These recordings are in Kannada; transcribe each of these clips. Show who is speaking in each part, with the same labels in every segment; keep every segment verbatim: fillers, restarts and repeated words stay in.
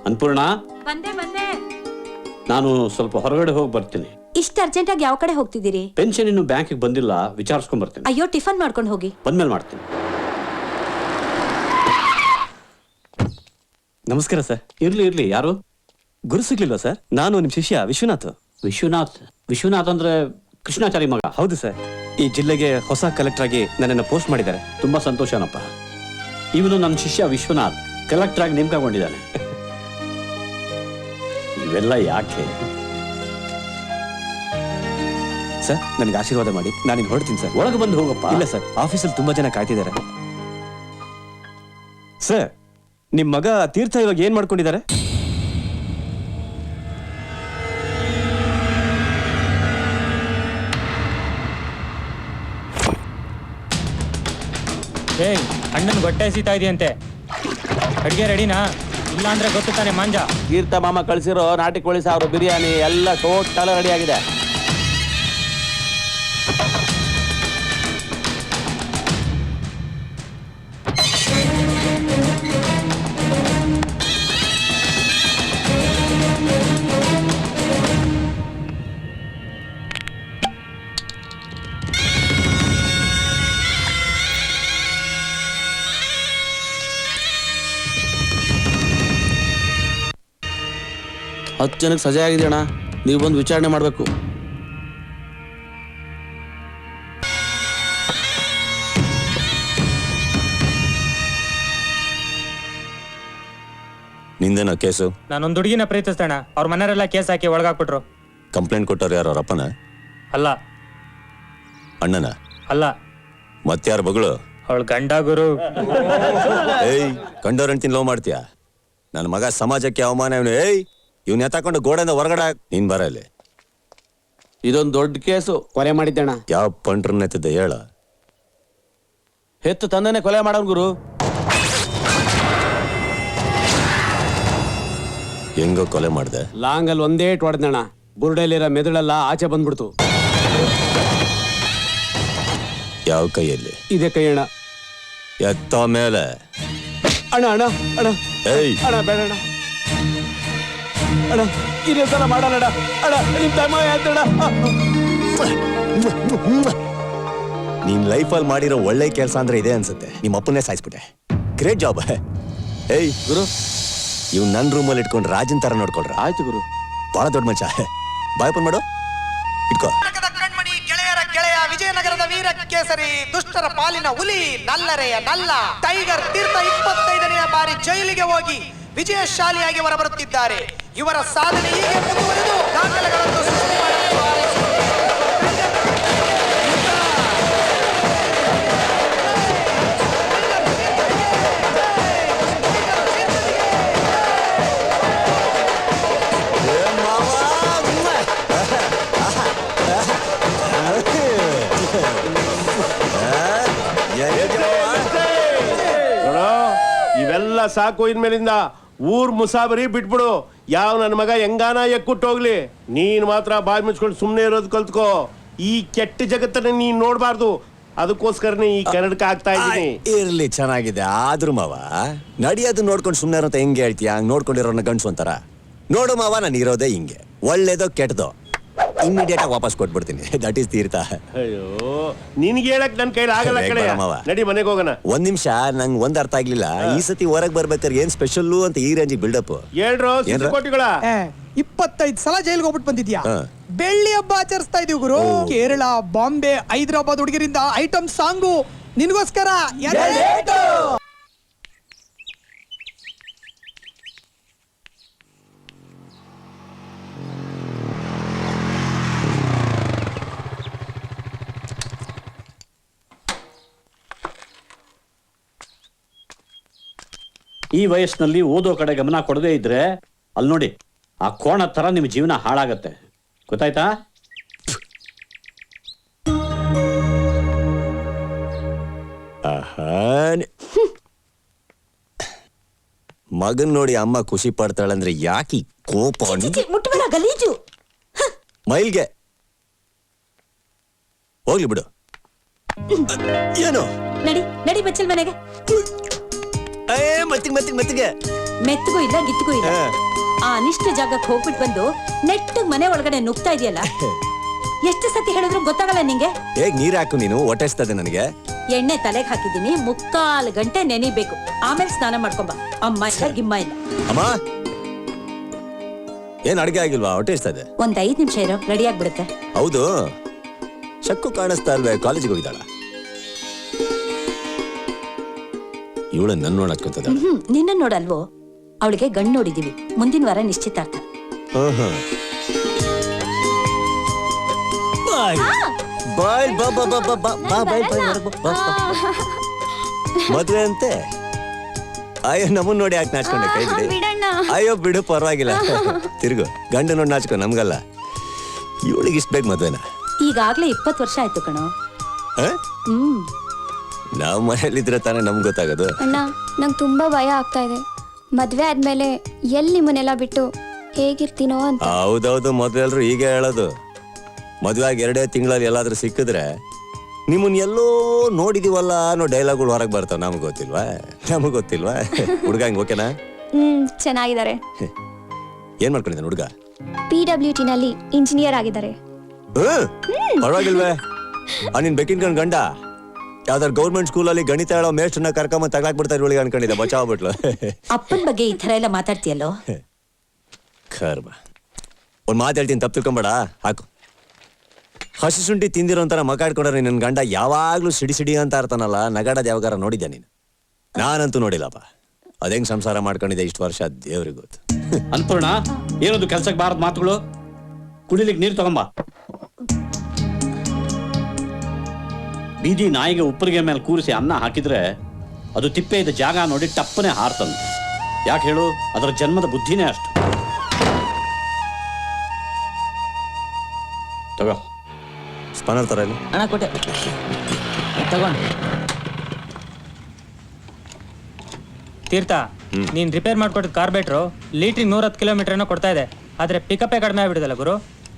Speaker 1: ಅನ್ಪೂರ್ಣ,
Speaker 2: ಬಂದೆ ಬಂದೆ.
Speaker 1: ನಾನು ಸ್ವಲ್ಪ ಹೊರಗಡೆ ಹೋಗಿ ಬರ್ತೀನಿ.
Speaker 2: ಇಷ್ಟು ಅರ್ಜೆಂಟ್ ಆಗಿ ಯಾವ ಕಡೆ ಹೋಗ್ತಿದ್ದೀರಿ?
Speaker 1: ಪೆನ್ಷನ್ ಇನ್ನು ಬ್ಯಾಂಕಿಗೆ ಬಂದಿಲ್ಲ, ವಿಚಾರಿಸ್ಕೊಂಡ್ ಬರ್ತೀನಿ.
Speaker 2: ಅಯ್ಯೋ, ಟಿಫನ್ ಮಾಡ್ಕೊಂಡು ಹೋಗಿ.
Speaker 1: ಬಂದ್ಮೇಲೆ ಮಾಡ್ತೀನಿ.
Speaker 3: ನಮಸ್ಕಾರ ಸರ್.
Speaker 1: ಇರ್ಲಿ ಇರ್ಲಿ. ಯಾರು?
Speaker 3: ಗುರು ಸಿಗ್ಲಿಲ್ವಾ ಸರ್? ನಾನು ನಿಮ್ ಶಿಷ್ಯ ವಿಶ್ವನಾಥ್.
Speaker 1: ವಿಶ್ವನಾಥ್? ವಿಶ್ವನಾಥ್ ಅಂದ್ರೆ ಕೃಷ್ಣಾಚಾರಿ ಮಗ?
Speaker 3: ಹೌದು ಸರ್. ಈ ಜಿಲ್ಲೆಗೆ ಹೊಸ ಕಲೆಕ್ಟರ್ ಆಗಿ ನನ್ನನ್ನು ಪೋಸ್ಟ್ ಮಾಡಿದ್ದಾರೆ.
Speaker 1: ತುಂಬಾ ಸಂತೋಷನಪ್ಪ. ಇವನು ನನ್ನ ಶಿಷ್ಯ ವಿಶ್ವನಾಥ್ ಕಲೆಕ್ಟರ್ ಆಗಿ ನೇಮಕಗೊಂಡಿದ್ದಾನೆ. ಇವೆಲ್ಲ ಯಾಕೆ
Speaker 3: ಸರ್? ನನಗೆ ಆಶೀರ್ವಾದ ಮಾಡಿ, ನಾನು ಹೊರಡ್ತೀನಿ ಸರ್.
Speaker 1: ಒಳಗೆ ಬಂದು ಹೋಗಪ್ಪ.
Speaker 3: ಇಲ್ಲ ಸರ್, ಆಫೀಸಲ್ಲಿ ತುಂಬಾ ಜನ ಕಾಯ್ತಿದ್ದಾರೆ. ಸರ್, ನಿಮ್ ಮಗ ತೀರ್ಥ ಇವಾಗ ಏನ್ ಮಾಡ್ಕೊಂಡಿದ್ದಾರೆ?
Speaker 4: ಏಯ್, ಅಣ್ಣನ ಹೊಟ್ಟೆ ಸೀತಾ ಇದೆಯಂತೆ. ಅಡ್ಗೆ ರೆಡಿನಾ? ಇಲ್ಲ ಅಂದ್ರೆ ಗೊತ್ತು ತಾನೆ ಮಾಂಜ.
Speaker 5: ತೀರ್ಥ ಮಾಮ ಕಳಿಸಿರೋ ನಾಟಿ ಕೋಳಿ ಸಾರು, ಬಿರಿಯಾನಿ ಎಲ್ಲ ಟೋಟಲ್ ರೆಡಿ ಆಗಿದೆ. ಹತ್ತು ಜನಕ್ಕೆ ಸಜೆ ಆಗಿದೆ ಅಣ್ಣ, ನೀವು ಬಂದು ವಿಚಾರಣೆ ಮಾಡಬೇಕು.
Speaker 6: ನಿಂದೇನ ಕೇಸು?
Speaker 4: ನಾನೊಂದು ಹುಡುಗಿನ ಪ್ರೀತಿಸ್ತೇಣ. ಅವ್ರ ಮನೆಯವರೆಲ್ಲ ಕೇಸ್ ಹಾಕಿ ಒಳಗಾಕ್ಬಿಟ್ರು.
Speaker 6: ಕಂಪ್ಲೇಂಟ್ ಕೊಟ್ಟವ್ರು ಯಾರು? ಅವ್ರ ಅಪ್ಪನ?
Speaker 4: ಅಲ್ಲ.
Speaker 6: ಅಣ್ಣನ?
Speaker 4: ಅಲ್ಲ.
Speaker 6: ಮತ್ಯಾರ ಬಗಳು?
Speaker 4: ಅವಳು ಗಂಡ ಗುರು.
Speaker 6: ಏಯ್, ಕಂಡವ್ರ ಹೆಂಡ್ತಿನ ಲವ್ ಮಾಡ್ತೀಯಾ? ನನ್ನ ಮಗ ಸಮಾಜಕ್ಕೆ ಅವಮಾನ. ಇವನು ಏಯ್ ಇವ್ನ ಎತ್ತಾಕೊಂಡು ಗೋಡೆಯಿಂದ ಹೊರಗಡೆ ನೀನ್ ಬರ ಇಲ್ಲಿ.
Speaker 5: ಇದೊಂದು ದೊಡ್ಡ ಕೇಸು. ಕೊಲೆ ಮಾಡಿದ್ದಣ್ಣ.
Speaker 6: ಯಾವ ಪಂಟ್ರನ್ನ ಎತ್ತಿದ್ದೆ ಹೇಳ?
Speaker 5: ಹೆತ್ತು ತಂದೆನೆ ಕೊಲೆ ಮಾಡೋನ್ ಗುರು.
Speaker 6: ಹೆಂಗೋ ಕೊಲೆ ಮಾಡ್ದೆ?
Speaker 5: ಲಾಂಗಲ್ಲಿ ಒಂದೇ ಇಟ್ ಹೊಡೆದಣ್ಣ, ಬುರುಡೆಯಲ್ಲಿರೋ ಮೆದುಳೆಲ್ಲ ಆಚೆ ಬಂದ್ಬಿಡ್ತು.
Speaker 6: ಯಾವ ಕೈಯಲ್ಲಿ?
Speaker 5: ಇದೇ ಕೈ ಅಣ್ಣ.
Speaker 6: ಎತ್ತ ಮೇಲೆ
Speaker 5: ಅಣ್ಣ ಅಣ್ಣ ಅಣ್ಣ
Speaker 6: ಏಯ್
Speaker 5: ಅಣ್ಣ ಬೇಡ ಅಣ್ಣ ಅಣ್ಣ, ಇದೇ ಸಲ ಮಾಡಲ್ಲ ಅಣ್ಣ. ಅಣ್ಣ ನಿಮ್ ತಮ್ಮ ಆಯ್ತಣ್ಣ.
Speaker 6: ನೀನ್ ಲೈಫಲ್ಲಿ ಮಾಡಿರೋ ಒಳ್ಳೆ ಕೆಲಸ ಅಂದ್ರೆ ಇದೆ ಅನ್ಸುತ್ತೆ. ನಿಮ್ಮ ಅಪ್ಪನ್ನೇ ಸಾಯಿಸ್ಬಿಟ್ಟೆ. Great job. ಏಯ್
Speaker 5: ಗುರು,
Speaker 6: ಇವ್ ನನ್ ರೂಮಲ್ಲಿ ಇಟ್ಕೊಂಡು ರಾಜನ್ ತರ ನೋಡ್ಕೊಳ್ರ.
Speaker 5: ಆಯ್ತು ಗುರು.
Speaker 6: ಬಹಳ ದೊಡ್ಡ ಮಚ್ಚ. ಬಾಯ್ ಓಪನ್ ಮಾಡು, ಇಟ್ಕೋ.
Speaker 7: ಕಣ್ಮಣಿ ಗೆಳೆಯರ ಗೆಳೆಯ, ವಿಜಯನಗರದ ವೀರ ಕೇಸರಿ, ದುಷ್ಟರ ಪಾಲಿನ ಹುಲಿ, ನಲ್ಲರೆಯ ನಲ್ಲ ಟೈಗರ್ ತೀರ್ಥ ಇಪ್ಪತ್ತೈದನೆಯ ಬಾರಿ ಜೈಲಿಗೆ ಹೋಗಿ ವಿಜಯಶಾಲಿಯಾಗಿ ಹೊರಬರುತ್ತಿದ್ದಾರೆ. ಇವರ ಸಾಧನೆ ಹೀಗೆ ಮುಂದುವರೆದು ದಾಖಲೆಗಳನ್ನು ಸೃಷ್ಟಿ ಮಾಡಲು
Speaker 8: ಇವೆಲ್ಲ ಸಾಕು. ಇನ್ಮೇಲಿಂದ ಊರ್ ಮುಸಾಬರಿ ಬಿಟ್ಬಿಡು. ಯಾವ ನನ್ನ ಮಗ ಹೆಂಗಾನ ಎಕ್ಕುಟ್ಟು ಹೋಗ್ಲಿ, ನೀನ್ ಮಾತ್ರ ಬಾಯಿ ಮುಚ್ಕೊಂಡು ಸುಮ್ನೆ ಇರೋದು ಕಲ್ತ್ಕೋ. ಈ ಕೆಟ್ಟ ಜಗತ್ತನ್ನ ನೀನ್ ನೋಡ್ಬಾರ್ದು. ಅದಕ್ಕೋಸ್ಕರನೇ ಈ ಕನ್ನಡಕ ಆಗ್ತಾ ಇದ್ದೀನಿ.
Speaker 6: ಇರ್ಲಿ, ಚೆನ್ನಾಗಿದೆ. ಆದ್ರೂ ಮಾವ, ನಡಿಯೋದು ನೋಡ್ಕೊಂಡು ಸುಮ್ನೆ ಇರೋಂತ ಹೆಂಗೆ ಹೇಳ್ತೀಯ? ಹಂಗ್ ನೋಡ್ಕೊಂಡಿರೋನ ಗಂಡ್ಸು ಅಂತಾರ. ನೋಡು ಮಾವ, ನಾನು ಇರೋದೇ ಹಿಂಗೆ. ಒಳ್ಳೇದೋ ಕೆಟ್ಟದೋ ಇಮಿಡಿಯೇಟ್ ಆಗಿ ವಾಪಸ್ ಕೊಟ್ಬಿಡ್ತೀನಿ. That is Teertha.
Speaker 8: ಅಯ್ಯೋ, ನಿನ್ಗೆ ಹೇಳಕ್ ನನ್ ಕೈಲಿ ಆಗಲ್ಲ ಕಡೆ. ನಡಿ ಮನೆಗೆ ಹೋಗೋಣ.
Speaker 6: ಒಂದ್ ನಿಮಿಷ, ನಂಗೆ ಒಂದ್ ಅರ್ಥ ಆಗ್ಲಿಲ್ಲ. ಈ ಸತಿ ಹೊರಗ್ ಬರ್ಬೇಕಾದ್ರೆ ಏನ್ ಸ್ಪೆಷಲ್ ಅಂತ ಈ ರೇಂಜಿಗೆ ಬಿಲ್ಡಪ್?
Speaker 8: ಹೇಳ್ರು ಕೋಟಿಗಳ.
Speaker 7: ಇಪ್ಪತ್ತೈದು ಸಲ ಜೈಲ್ಗೆ ಹೋಗ್ಬಿಟ್ಟು ಬಂದಿದ್ಯಾ. ಬೆಳ್ಳಿ ಹಬ್ಬ ಆಚರಿಸ್ತಾ ಇದೀವಿ ಗುರು. ಕೇರಳ, ಬಾಂಬೆ, ಹೈದರಾಬಾದ್ ಹುಡುಗರಿಂದ ಐಟಮ್ ಸಾಂಗು ನಿನ್ಗೋಸ್ಕರ.
Speaker 1: ಈ ವಯಸ್ಸಿನಲ್ಲಿ ಓದೋ ಕಡೆ ಗಮನ ಕೊಡದೇ ಇದ್ರೆ ಅಲ್ಲಿ ನೋಡಿ, ಆ ಕೋಣ ತರ ನಿಮ್ ಜೀವನ ಹಾಳಾಗತ್ತೆ. ಗೊತ್ತಾಯ್ತಾ?
Speaker 6: ಮಗನ್ ನೋಡಿ ಅಮ್ಮ ಖುಷಿ ಪಡ್ತಾಳಂದ್ರೆ ಯಾಕೆ ಕೋಪ?
Speaker 2: ಮುಟ್ಬೇಡ, ಗಲೀಜು.
Speaker 6: ಮೈಲ್ಗೆ ಹೋಗ್ಲಿ ಬಿಡು. ಏನು
Speaker 2: ನಡಿ ನಡಿ ಬಚ್ಚಲ್ ಮನೆಗೆ.
Speaker 6: ಮತ್ತಿಗೆ ಮತ್ತಿಗೆ ಮತ್ತಿಗೆ
Speaker 2: ಮೆತ್ತಗೂ ಇಲ್ಲ ಗಿತ್ತಗೂ ಇಲ್ಲ. ಆ ಅನಿಷ್ಟ ಜಾಗಕ್ಕೆ ಹೋಗ್ಬಿಟ್ಟು ಬಂದು ನೆಟ್ಟಗ್ ಮನೆ ಒಳಗಡೆ ನುಗ್ತಾ ಇದೆಯಲ್ಲ, ಎಷ್ಟು ಸತಿ ಹೇಳಿದ್ರು ಗೊತ್ತಾಗಲ್ಲ ನಿಂಗೆ.
Speaker 6: ಹೇಗ್ ನೀರ್ ಹಾಕು ನೀನು ಹೊಟ್ಟೆಸ್ತದೆ ನನಗೆ.
Speaker 2: ಎಣ್ಣೆ ತಲೆಗೆ ಹಾಕಿದ್ದೀನಿ, ಮುಕ್ಕಾಲು ಗಂಟೆ ನೆನಿಬೇಕು, ಆಮೇಲೆ ಸ್ನಾನ ಮಾಡ್ಕೊಂಬ. ಅಮ್ಮ ಇಲ್ಲ ಗಿಮ್ಮ ಇಲ್ಲ.
Speaker 6: ಅಮ್ಮ ಏನ್ ಅಡ್ಗೆ ಆಗಿಲ್ವಾ? ಹೊಟ್ಟೆ ಇಸ್ತದೆ.
Speaker 2: ಒಂದ್ ಐದ್ ನಿಮಿಷ ಇರೋ, ರೆಡಿ ಆಗ್ಬಿಡುತ್ತೆ.
Speaker 6: ಹೌದು, ಶಕ್ಕು ಕಾಣಿಸ್ತಾ ಇಲ್ವೇ? ಕಾಲೇಜಿಗೆ ಹೋಗಿದ್ದಾಳ ಇವಳ ನನ್ ನೋಡಕ್ಕಂತದ.
Speaker 2: ಹ್ಮ್ ನಿನ್ನ ನೋಡಲ್ವೋ, ಅವಳಿಗೆ ಗಂಡು ನೋಡಿದೀವಿ, ಮುಂದಿನ ವಾರ ನಿಶ್ಚಿತಾರ್ಥ.
Speaker 6: ಬಾಯ್ ಬಾ ಬಾ ಬಾ ಬಾ ಬಾ ಬಾ ಬಾಯ್ ಬಾಯ್ ಹೊರಗ್ ಬಾ, ಬಾ, ಬಾ. ಮದ್ವೆ ಅಂತೆ. ಅಯ್ಯೋ ನಮ್ಮನ್ ನೋಡಿ ಯಾಕೆ ನಾಚ್ಕೊಂಡೆ? ಕೈ ಬಿಡಿ. ಅಯ್ಯೋ ಬಿಡು, ಪರವಾಗಿಲ್ಲ. ತಿರುಗು, ಗಂಡ ನೋಡಿ ನಾಚ್ಕೊ, ನಮ್ಗಲ್ಲ. ಇವಳಿಗೆ ಇಷ್ಟ ಬೇಕು ಮದ್ವೆನ?
Speaker 2: ಈಗಾಗ್ಲೇ ಇಪ್ಪತ್ತು ವರ್ಷ ಆಯ್ತು ಕಣೋ.
Speaker 6: ಹ?
Speaker 2: ಹ್ಮ್
Speaker 6: ನಾವ್ ಮನೇಲಿದ್ರೆ ತಾನೇ ನಮ್ಗೆ ಗೊತ್ತಾಗೋದು.
Speaker 9: ಅಣ್ಣ, ನಂಗೆ ತುಂಬಾ ಭಯ ಆಗ್ತಾ ಇದೆ. ಮದ್ವೆ ಆದ್ಮೇಲೆ ಎಲ್ಲಿ ನಿಮ್ಮನ್ನೆಲ್ಲ ಬಿಟ್ಟು ಹೇಗಿರ್ತೀನೋ ಅಂತ.
Speaker 6: ಹೌದೌದು, ಮದ್ವೆ ಎಲ್ರು ಹೀಗೆ ಹೇಳೋದು. ಮದ್ವೆ ಆಗಿ ಎರಡೇ ತಿಂಗಳಲ್ಲಿ ಎಲ್ಲಾದ್ರೂ ಸಿಕ್ಕಿದ್ರೆ ನಿಮ್ಮನ್ ಎಲ್ಲೋ ನೋಡಿದೀವಲ್ಲ ಅನ್ನೋ ಡೈಲಾಗ್ಗಳು ಹೊರಗೆ ಬರ್ತಾವ. ನಮ್ಗೆ ಗೊತ್ತಿಲ್ವಾ? ನಮಗ್ ಗೊತ್ತಿಲ್ವಾ? ಹುಡ್ಗ ಹಂಗ ಓಕೆನಾ?
Speaker 9: ಹ್ಮ್ ಚೆನ್ನಾಗಿದ್ದಾರೆ.
Speaker 6: ಏನ್ ಮಾಡ್ಕೊಂಡಿದ್ದಾನೆ ಹುಡ್ಗ?
Speaker 9: ಪಿ ಡಬ್ಲ್ಯೂ ಟಿ ನಲ್ಲಿ ಇಂಜಿನಿಯರ್ ಆಗಿದ್ದಾರೆ.
Speaker 6: ಪರವಾಗಿಲ್ವೇ? ಆ ನಿನ್ ಬೆಕ್ಕಿನ ಕಣ್ ಗಂಡ ಯಾವ್ದಾರು ಗೌರ್ಮೆಂಟ್ ಸ್ಕೂಲಲ್ಲಿ ಗಣಿತ ಹೇಳೋ ಮೇಷ್ಟ್ರನ್ನ ಕರ್ಕೊಂಬ ತಗ್ಲಾಕ್ ಬಿಡ್ತಾರೆ ಇವಳಿಗೆ ಅನ್ಕೊಂಡಿದ್ದೆ. ಬಚಾವ್ಬಿಟ್ಲು.
Speaker 2: ಅಪ್ಪನ ಬಗ್ಗೆ ಈ ತರ ಎಲ್ಲ ಮಾತಾಡ್ತೀಯಲ್ಲೋ?
Speaker 6: ಕರ್ಮ. ಒಂದ್ ಮಾತು ಹೇಳ್ತೀನಿ, ತಪ್ಪು ತಿಳ್ಕೊಂಬೇಡ. ಹಾಕು. ಹಸಿ ಶುಂಠಿ ತಿಂದಿರೋ ಅಂತಾರ ಮಕಾಡ್ಕೊಂಡ್ರೆ ನನ್ ಗಂಡ ಯಾವಾಗ್ಲೂ ಸಿಡಿ ಸಿಡಿ ಅಂತ ಇರ್ತಾನಲ್ಲ, ನಗಾಡೋದ್ ಯಾವಾಗಾರ ನೋಡಿದ್ದೆ ನೀನು? ನಾನಂತೂ ನೋಡಿಲ್ಲಪ್ಪ. ಅದೇಂಗ್ ಸಂಸಾರ ಮಾಡ್ಕೊಂಡಿದ್ದೆ ಇಷ್ಟು ವರ್ಷ, ದೇವ್ರಿಗೆ ಗೊತ್ತು.
Speaker 1: ಅನ್ಪೂರ್ಣ, ಏನದು ಕೆಲ್ಸಕ್ಕೆ ಬಾರದ ಮಾತುಗಳು? ಕುಡಿಲಿಕ್ಕೆ ನೀರು ತಗೊಂಬ. ಬೀದಿ ನಾಯಿಗೆ ಉಪ್ಪರಿಗೆ ಮೇಲೆ ಕೂರಿಸಿ ಅನ್ನ ಹಾಕಿದ್ರೆ ಅದು ತಿಪ್ಪೆ ಇದ್ದ ಜಾಗ ನೋಡಿ ಟಪ್ಪನೆ ಹಾರ್ತಂದು. ಯಾಕೆ ಹೇಳು? ಅದರ ಜನ್ಮದ ಬುದ್ಧಿನೇ ಅಷ್ಟು. ತಗೋ.
Speaker 6: ಸ್ಪನ್ನರ್ ತರ ಇಲ್ಲ
Speaker 4: ಅಣ್ಣ, ಕೊಟ್ಟೆ ತಗೊಂಡ್. ತೀರ್ಥ, ನೀನ್ ರಿಪೇರ್ ಮಾಡ್ಕೊಟ್ಟಿದ್ ಕಾರ್ಬೇಟ್ರು ಲೀಟ್ರಿಗೆ ನೂರ ಹತ್ತು ಕಿಲೋಮೀಟರ್ ಏನೋ ಕೊಡ್ತಾ ಇದೆ, ಆದ್ರೆ ಪಿಕಪ್ಪೇ ಕಡಿಮೆ ಆಗ್ಬಿಡಿದಲ್ಲ ಗುರು.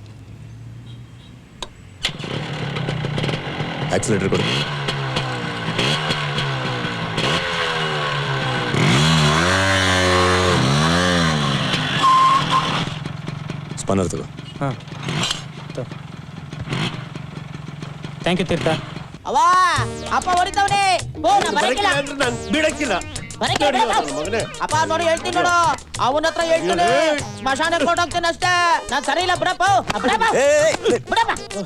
Speaker 6: ಆಕ್ಸಿಲೇಟರ್ ಕೊಡು. ಸ್ಪನ್ನರ್ ತಗೋ.
Speaker 4: ಹಾಂ, ಥ್ಯಾಂಕ್ ಯು ತೀರ್ಥ.
Speaker 10: ಅವಾ ಅಪ್ಪ ಹೊಡಿತಾವ್ನೆ. ಓ ನಾ ಬರಕಿಲ್ಲ
Speaker 8: ನಾನು ಬಿಡಕ್ಕಿಲ್ಲ.
Speaker 10: ಮಗನೇ ಅಪ್ಪ ನೋಡಿ ಹೇಳ್ತೀನಿ ನೋಡು, ಅವನ ಹತ್ರ ಹೇಳ್ತೀನಿ, ಸ್ಮಶಾನಕ್ಕೆ ಕೊಟ್ಟೋಗ್ತೀನಿ ಅಷ್ಟೇ. ನಾನ್ ಸರಿ ಇಲ್ಲ ಬಿಡಪ್ಪ, ಬಿಡಪ್ಪ.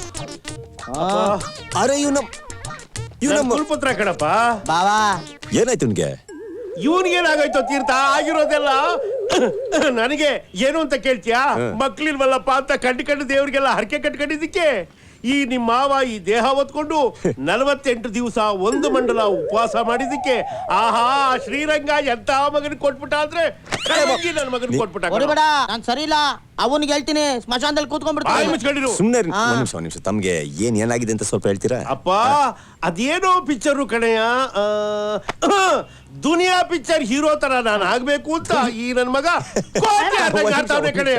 Speaker 6: ಅರೆ ಇವ್ನ ಇವ್ನ
Speaker 8: ಕುಲ್ಪುತ್ರ ಕಣಪ್ಪ.
Speaker 6: ಬಾವಾ ಏನಾಯ್ತು ನಿನ್ಗೆ?
Speaker 8: ಇವನ್ಗೇನಾಗೋಯ್ತು ತೀರ್ಥ? ಆಗಿರೋದೆಲ್ಲ ನನಗೆ ಏನು ಅಂತ ಕೇಳ್ತೀಯಾ? ಮಕ್ಳಿಲ್ವಲ್ಲಪ್ಪ ಅಂತ ಕಂಡು ಕಂಡು ದೇವ್ರಿಗೆಲ್ಲ ಹರಕೆ ಕಟ್ಕೊಂಡಿದ್ದಕ್ಕೆ ಈ ನಿಮ್ಮ ಮಾವ ಈ ದೇಹ ಹೊತ್ಕೊಂಡು ನಲವತ್ತೆಂಟು ದಿವಸ ಒಂದು ಮಂಡಲ ಉಪವಾಸ ಮಾಡಿದಕ್ಕೆ ಆಹಾ ಶ್ರೀರಂಗ ಎಂತ ಮಗನ್ ಕೊಟ್ಬಿಟ್ಟ ಅಂದ್ರೆ ನನ್ನ ಮಗನ್ ಕೊಟ್ಬಿಟ್ಟ.
Speaker 10: ಹೊಡಿಬೇಡ, ನಾನ್ ಸರಿ ಇಲ್ಲ. ಅವನಿಗೆ ಹೇಳ್ತೀನಿ, ಸ್ಮಶಾನದಲ್ಲಿ ಕೂತ್ಕೊಂಡ್ಬಿಡ್ತೀನಿ.
Speaker 6: ಸುಮ್ನೆ ಒಂದ್ ನಿಮಿಷ ಒಂದ್ ನಿಮಿಷ ತಮ್ಗೆ ಏನ್ ಏನಾಗಿದೆ ಅಂತ ಸ್ವಲ್ಪ ಹೇಳ್ತೀರಾ?
Speaker 8: ಅಪ್ಪ ಅದೇನೋ ಪಿಕ್ಚರ್ ಕಣೆಯ, ದುನಿಯಾ ಪಿಕ್ಚರ್ ಹೀರೋ ತರ ನಾನು ಆಗ್ಬೇಕು ಅಂತ ಈ ನನ್ ಮಗ ಕಣೆಯ.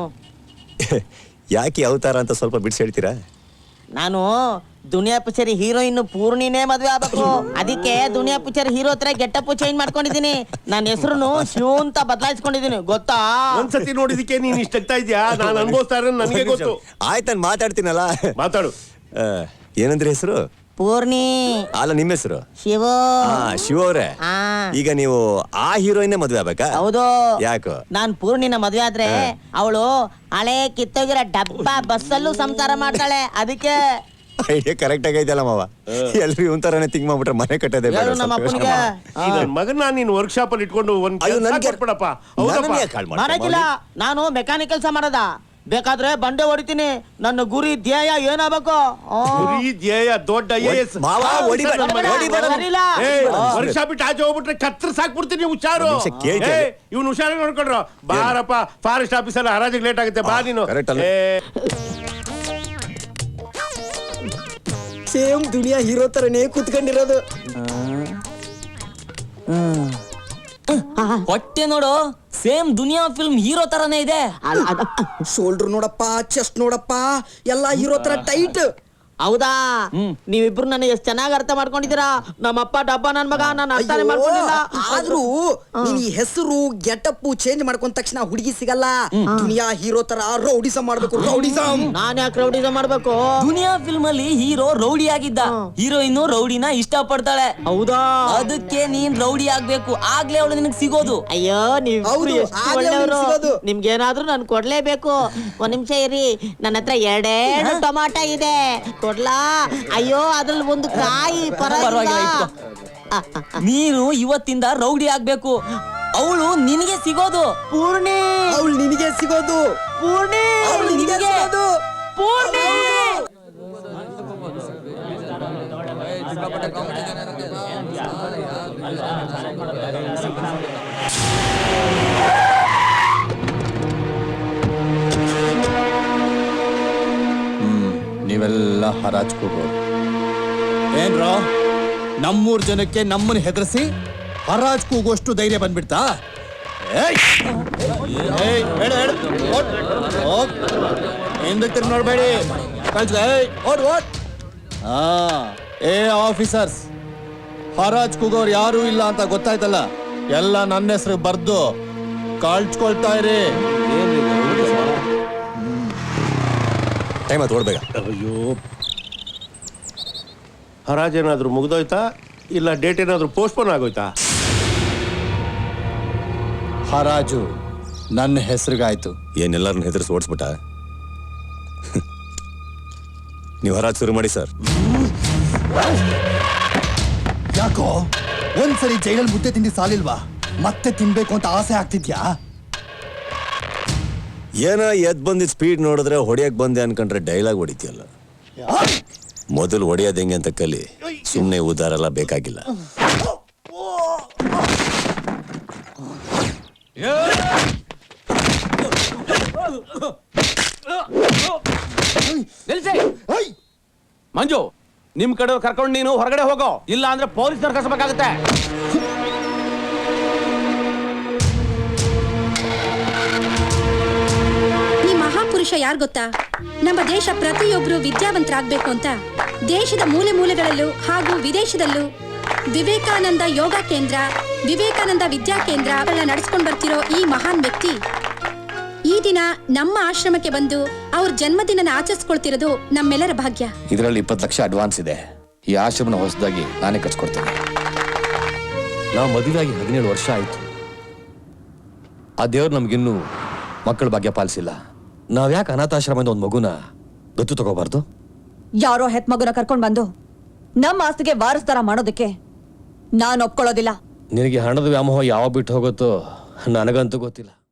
Speaker 6: ಯಾಕೆ ಅವತಾರ ಅಂತ ಸ್ವಲ್ಪ ಬಿಡಿಸಿ ಹೇಳ್ತೀರಾ?
Speaker 10: ನಾನು ದುನಿಯಾ ಪಿಕ್ಚರ್ ಹೀರೋಯಿನ್ ಪೂರ್ಣಿನೇ ಮದ್ವೆ ಆಗ್ಬೇಕು, ಅದಕ್ಕೆ ದುನಿಯಾ ಪಿಕ್ಚರ್ ಹೀರೋ ಹತ್ರ ಗೆಟಪ್ ಚೇಂಜ್ ಮಾಡ್ಕೊಂಡಿದೀನಿ. ನನ್ನ ಹೆಸರು ಶಿವ ಅಂತ ಬದಲಾಯಿಸ್ಕೊಂಡಿದೀನಿ, ಗೊತ್ತಾ?
Speaker 8: ಒಂದ್ಸತಿ ನೋಡಿದಕ್ಕೆ ನೀನ್ ಇಷ್ಟ ಆಗ್ತಾ ಇದ್ಯಾ? ನಾನು ಅನ್ಭವಿಸ್ತಾ ಇರೋದು ನನಗೆ ಗೊತ್ತು.
Speaker 6: ಆಯ್ತು, ನಾನು ಮಾತಾಡ್ತೀನಲ್ಲ.
Speaker 8: ಮಾತಾಡು.
Speaker 6: ಏನಂದ್ರೆ ಹೆಸರು?
Speaker 10: ಪೂರ್ಣಿ.
Speaker 6: ಅಲ್ಲ, ನಿಮ್ಮ ಹೆಸರು?
Speaker 10: ಶಿವ.
Speaker 6: ಶಿವ ಅವ್ರೆ, ಈಗ ನೀವು ಆ ಹೀರೋಯಿನ್ ಮದ್ವೆ ಆಗ್ಬೇಕಾ?
Speaker 10: ಹೌದು.
Speaker 6: ಯಾಕೋ?
Speaker 10: ನಾನ್ ಪೂರ್ಣಿನ ಮದ್ವೆ ಆದ್ರೆ ಅವಳು ಹಳೆ ಕಿತ್ತೋಗಿರೋ ಡಬ್ಬ ಬಸ್ಸಲ್ಲೂ ಸಂಸಾರ ಮಾಡ್ತಾಳೆ, ಅದಕ್ಕೆ.
Speaker 6: ಐಡಿಯಾ ಕರೆಕ್ಟ್ ಆಗೈತಲ್ಲ ಮಾವ. ಎಲ್ರು ಇವನ್ ತರಾನೇ ತಿಂಕ್ ಮಾಡ್ಬಿಟ್ರೆ ಮನೆ ಕಟ್ಟೋದೇ ಬೇಡ.
Speaker 10: ನಮ್ಮ ಅಪ್ಪನಿಗೆ
Speaker 8: ಮಗನ್ ನಾನು ನೀನ್ ವರ್ಕ್ಶಾಪ್ ಅಲ್ಲಿ ಇಟ್ಕೊಂಡು ಒಂದ್
Speaker 10: ಮಾಡಕ್ಕಿಲ್ಲ. ನಾನು ಮೆಕ್ಯಾನಿಕ್ ಕೆಲಸ ಮಾಡದ, ಬೇಕಾದ್ರೆ ಬಂಡೆ ಹೊಡಿತೀನಿ. ನನ್ನ ಗುರಿ ಧ್ಯೇಯ ಏನಾಗಬೇಕು?
Speaker 8: ಗುರಿ ಧ್ಯೇಯ ದೊಡ್ಡ ವರ್ಕ್ಶಾಪ್ ಇಟ್ಟು ಆಚೆ ಹೋಗ್ಬಿಟ್ರೆ ಕತ್ರ ಸಾಕ್ಬಿಡ್ತೀನಿ. ಹುಷಾರು, ಇವ್ನು ಹುಷಾರ ನೋಡ್ಕೊಂಡ್ರು. ಬಾರಪ್ಪ, ಫಾರೆಸ್ಟ್ ಆಫೀಸಲ್ಲಿ ಹರಾಜಿಗೆ ಲೇಟ್ ಆಗುತ್ತೆ, ಬಾ ನೀನು.
Speaker 5: ಸೇಮ್ ದುನಿಯಾ ಹೀರೋ ತರನೇ ಕುತ್ಕೊಂಡಿರೋದು.
Speaker 10: ಹೊಟ್ಟೆ ನೋಡು, ಸೇಮ್ ದುನಿಯಾ ಫಿಲ್ಮ್ ಹೀರೋ ತರನೇ ಇದೆ.
Speaker 5: ಶೋಲ್ಡರ್ ನೋಡಪ್ಪ, ಚೆಸ್ಟ್ ನೋಡಪ್ಪ, ಎಲ್ಲಾ ಹೀರೋ ತರ ಟೈಟ್.
Speaker 10: ಹೌದಾ ನೀವಿಬ್ರು ನನ್ನ ಎಷ್ಟ್ ಚೆನ್ನಾಗಿ ಅರ್ಥ ಮಾಡ್ಕೊಂಡಿದ್ದೀರಾ ನಮ್ಮಪ್ಪ ಡಬ್ಬ ನನ್ ಮಗ ನಾನು ಅರ್ಥನೇ ಮಾಡ್ಕೊಂಡಿಲ್ಲ
Speaker 11: ಆದ್ರೂ ನೀನ್ ಈ ಹೆಸರು ಗೆಟಪ್ ಚೇಂಜ್ ಮಾಡ್ಕೊಂಡ ತಕ್ಷಣ ಹುಡುಗಿ ಸಿಗಲ್ಲ ದುನಿಯಾ ಹೀರೋ ತರ ರೌಡಿಸಂ ಮಾಡ್ಬೇಕು ರೌಡಿಸಂ
Speaker 10: ನಾನ್ ಯಾಕೆ ರೌಡಿಸಂ ಮಾಡ್ಬೇಕು
Speaker 12: ದುನಿಯಾ ಫಿಲ್ಮ್ ಅಲ್ಲಿ ಹೀರೋ ರೌಡಿ ಆಗಿದ್ದ ಹೀರೋಯಿನ್ ರೌಡಿನ ಇಷ್ಟ ಪಡ್ತಾಳೆ
Speaker 10: ಹೌದಾ
Speaker 12: ಅದಕ್ಕೆ ನೀನ್ ರೌಡಿ ಆಗ್ಬೇಕು ಆಗ್ಲೇ ಅವಳು ನಿನಗೆ ಸಿಗೋದು
Speaker 10: ಅಯ್ಯೋ ನೀವು
Speaker 11: ಹೌದು, ಆಗ್ಲೇ ಅವ್ನಿಗ್ ಸಿಗೋದು.
Speaker 10: ನಿಮ್ಗೇನಾದ್ರೂ ನಾನು ಕೊಡ್ಲೇಬೇಕು ಒಂದ್ ನಿಮಿಷ ಇರಿ ನನ್ನ ಹತ್ರ ಎರಡೆರಡು ಟೊಮಾಟೊ ಇದೆ ಕೊಡ್ಲಾ ಅಯ್ಯೋ ಅದ್ರಲ್ಲಿ ಒಂದು ಕಾಯಿ
Speaker 12: ಪರವಾಗಿಲ್ಲ
Speaker 10: ಪರವಾಗಿಲ್ಲ
Speaker 12: ಇಟ್ಕೋ. ನೀನು ಇವತ್ತಿಂದ ರೌಡಿ ಆಗ್ಬೇಕು ಅವಳು ನಿನಗೆ ಸಿಗೋದು
Speaker 10: ಪೂರ್ಣಿ
Speaker 11: ಅವಳು ನಿನಗೆ ಸಿಗೋದು
Speaker 10: ಪೂರ್ಣಿ
Speaker 11: ಅವಳು ನಿನಗೆ
Speaker 12: ನಿನಗೆ.
Speaker 11: ಸಿಗೋದು
Speaker 10: ಪೂರ್ಣಿ
Speaker 5: ನೀವೆಲ್ಲ ಹರಾಜ್ ಕೂಗೋರು ಏನ್ರೋ ನಮ್ಮೂರ್ ಜನಕ್ಕೆ ನಮ್ಮನ್ನ ಹೆದರ್ಸಿ ಹರಾಜ್ ಕೂಗೋಷ್ಟು ಧೈರ್ಯ ಬಂದ್ಬಿಡ್ತಾ ಏಯ್! ಏಯ್, ಹೇಳು, ಹೇಳು. ಓಡ್, ಓಡ್. ಹಿಂದಕ್ಕೆ ತಿರ್ಗಿ ನೋಡ್ಬೇಡಿ ಕಳ್ಸ್ಕೊ, ಏಯ್, ಓಡ್, ಓಡ್. ಆ, ಏ ಆಫೀಸರ್ಸ್ ಹರಾಜ್ ಕೂಗೋರು ಯಾರು ಇಲ್ಲ ಅಂತ ಗೊತ್ತಾಯ್ತಲ್ಲ ಎಲ್ಲ ನನ್ನ ಹೆಸರು ಬರ್ದು ಕಳ್ಸ್ಕೊಳ್ತಾ ಇರಿ
Speaker 6: ಟೈಮ್ ಆಯ್ತು ಓಡ್ಬೇಕ.
Speaker 8: ಅಯ್ಯೋ ಹರಾಜೇನಾದ್ರೂ ಮುಗ್ದೋಯ್ತಾ ಇಲ್ಲ ಡೇಟ್ ಏನಾದ್ರೂ ಪೋಸ್ಟ್ಪೋನ್ ಆಗೋಯ್ತಾ?
Speaker 5: ಹರಾಜು ನನ್ನ ಹೆಸರಿಗಾಯ್ತು.
Speaker 6: ಏನೆಲ್ಲರನ್ನ ಹೆದರ್ಸಿ ಓಡಿಸ್ಬಿಟ್ಟ. ನೀವು ಹರಾಜ್ ಶುರು ಮಾಡಿ ಸರ್.
Speaker 5: ಯಾಕೋ ಒಂದ್ಸರಿ ಜೈಲಲ್ಲಿ ಮುದ್ದೆ ತಿಂದಿ ಸಾಲಿಲ್ವಾ ಮತ್ತೆ ತಿನ್ಬೇಕು ಅಂತ ಆಸೆ ಆಗ್ತಿದ್ಯಾ?
Speaker 6: ಏನೋ ಎದ್ ಬಂದಿದ್ ಸ್ಪೀಡ್ ನೋಡಿದ್ರೆ ಹೊಡಿಯಕ್ ಬಂದೆ ಅನ್ಕೊಂಡ್ರೆ ಡೈಲಾಗ್ ಹೊಡಿತೀಯಲ್ಲ. ಮೊದಲು ಹೊಡೆಯೋದು ಹೆಂಗೆ ಅಂತ ಕಲಿ. ಸುಮ್ಮನೆ ಉದಾರ ಎಲ್ಲ ಬೇಕಾಗಿಲ್ಲ.
Speaker 3: ಮಂಜು ನಿಮ್ ಕಡೆ ಕರ್ಕೊಂಡು ನೀನು ಹೊರಗಡೆ ಹೋಗೋ, ಇಲ್ಲ ಅಂದ್ರೆ ಪೊಲೀಸ್ನವ್ರು ಕರ್ಸಬೇಕಾಗತ್ತೆ.
Speaker 2: ಈ ಮಹಾಪುರುಷ ಯಾರು ಗೊತ್ತಾ? ನಮ್ಮ ದೇಶ ಪ್ರತಿಯೊಬ್ರು ವಿದ್ಯಾವಂತರಾಗ್ಬೇಕು ಅಂತ ದೇಶದ ಮೂಲೆ ಮೂಲೆಗಳಲ್ಲೂ ಹಾಗೂ ವಿದೇಶದಲ್ಲೂ ವಿವೇಕಾನಂದ ಯೋಗ ಕೇಂದ್ರ, ವಿವೇಕಾನಂದ ವಿದ್ಯಾ ಕೇಂದ್ರಗಳನ್ನ ನಡೆಸ್ಕೊಂಡು ಬರ್ತಿರೋ ಈ ಮಹಾನ್ ವ್ಯಕ್ತಿ ಈ ದಿನ ನಮ್ಮ ಆಶ್ರಮಕ್ಕೆ ಬಂದು ಅವ್ರ ಜನ್ಮದಿನ ಆಚರಿಸ್ಕೊಳ್ತಿರೋದು ನಮ್ಮೆಲ್ಲರ ಭಾಗ್ಯ.
Speaker 3: ಇದರಲ್ಲಿ ಇಪ್ಪತ್ತು ಲಕ್ಷ ಅಡ್ವಾನ್ಸ್ ಇದೆ. ಈ ಆಶ್ರಮನ ಹೊಸದಾಗಿ ನಾನೇ ಕಟ್ಸ್ಕೊಡ್ತೇನೆ. ನಾವು ಮದುವೆಯಾಗಿ ಹದಿನೇಳು ವರ್ಷ ಆಯ್ತು. ಆ ದೇವ್ರು ನಮ್ಗಿನ್ನೂ ಮಕ್ಕಳ ಭಾಗ್ಯ ಪಾಲಿಸಿಲ್ಲ. ನಾವ್ಯಾಕೆ ಅನಾಥಾಶ್ರಮದ ಒಂದು ಮಗುನ ದತ್ತು ತಗೋಬಾರ್ದು?
Speaker 2: ಯಾರೋ ಹೆತ್ ಮಗುನ ಕರ್ಕೊಂಡ್ ಬಂದು ನಮ್ಮ ಆಸ್ತಿಗೆ ವಾರಸ್ದಾರ ಮಾಡೋದಕ್ಕೆ ನಾನು ಒಪ್ಕೊಳ್ಳೋದಿಲ್ಲ.
Speaker 3: ನಿನಗೆ ಹಣದ ವ್ಯಾಮೋಹ ಯಾವಾಗ ಬಿಟ್ಟು ಹೋಗುತ್ತೋ ನನಗಂತೂ ಗೊತ್ತಿಲ್ಲ.